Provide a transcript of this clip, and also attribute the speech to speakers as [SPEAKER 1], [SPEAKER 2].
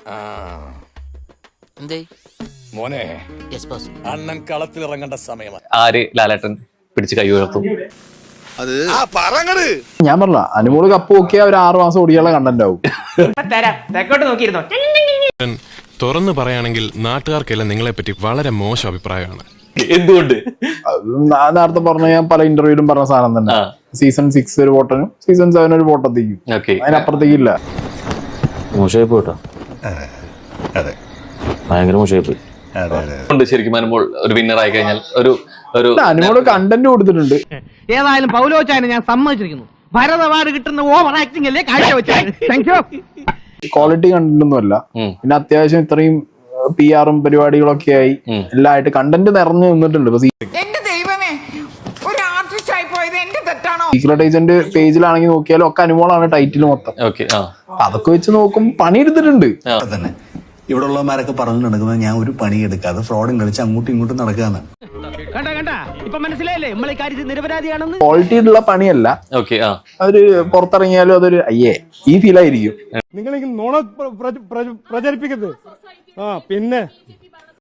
[SPEAKER 1] മോനെ അണ്ണൻ കളത്തിലിറങ്ങേണ്ട സമയമാണ്.
[SPEAKER 2] ആര് ലാലേട്ടൻ പിടിച്ച് കൈ ഉയർത്തും?
[SPEAKER 3] ഞാൻ പറഞ്ഞ അനുമോള് കപ്പ് നോക്കിയാൽ ഒരു 6 മാസം ഓടിയുള്ള കണ്ടന്റ് ആവും.
[SPEAKER 4] തുറന്നു പറയുകയാണെങ്കിൽ നാട്ടുകാർക്കെല്ലാം നിങ്ങളെ പറ്റി വളരെ മോശം അഭിപ്രായമാണ്.
[SPEAKER 2] എന്തുകൊണ്ട്?
[SPEAKER 3] നേരത്തെ പറഞ്ഞ ഞാൻ പല ഇന്റർവ്യൂലും പറഞ്ഞ സാധനം തന്നെ. സീസൺ 6 ഒരു വോട്ടനും സീസൺ 7 ഒരു വോട്ടത്തേക്കും, അതിനപ്പുറത്തേക്കില്ല.
[SPEAKER 2] മോശമായി പോയിട്ടോ, ഭയങ്കര മോശമായി പോയി. ശരിക്കും അനുമോൾ ഒരു വിന്നർ ആയി കഴിഞ്ഞാൽ
[SPEAKER 3] അനുമോള് കണ്ടന്റ് കൊടുത്തിട്ടുണ്ട്.
[SPEAKER 5] ഏതായാലും പൗലോച്ചായനെ ഞാൻ സമ്മതിച്ചിരിക്കുന്നു. ഭരത് അവാർഡ് കിട്ടുന്ന ഓവർ ആക്ടിംഗ് അല്ലേ കാഴ്ചവെച്ചത്.
[SPEAKER 3] ക്വാളിറ്റി കണ്ടന്റ് ഒന്നും അല്ല, പിന്നെ അത്യാവശ്യം ഇത്രയും PR-ഉം പരിപാടികളൊക്കെ ആയി എല്ലാം ആയിട്ട് കണ്ടന്റ് നിറഞ്ഞു നിന്നിട്ടുണ്ട്. സീക്രട്ട് ഏജന്റ് പേജിലാണെങ്കിൽ നോക്കിയാലും ഒക്കെ അനുമോളാണ് ടൈറ്റിൽ മൊത്തം. അതൊക്കെ വെച്ച് നോക്കും പണിയെടുത്തിട്ടുണ്ട്.
[SPEAKER 6] ഇവിടെ ഉള്ളവന്മാരൊക്കെ പറഞ്ഞു നടക്കുന്നത് ഞാൻ ഒരു പണിയെടുക്കാതെ ഫ്രോഡും കളിച്ച് അങ്ങോട്ടും ഇങ്ങോട്ടും നടക്കാന്നാണ്.
[SPEAKER 3] ക്വാളിറ്റി ഉള്ള പണിയല്ല, അതൊരു പുറത്തിറങ്ങിയാലും അതൊരു അയ്യേ ഈ ഫീൽ ആയിരിക്കും.
[SPEAKER 7] നിങ്ങൾ നുണ പ്രചരിപ്പിക്കരുത്. പിന്നെ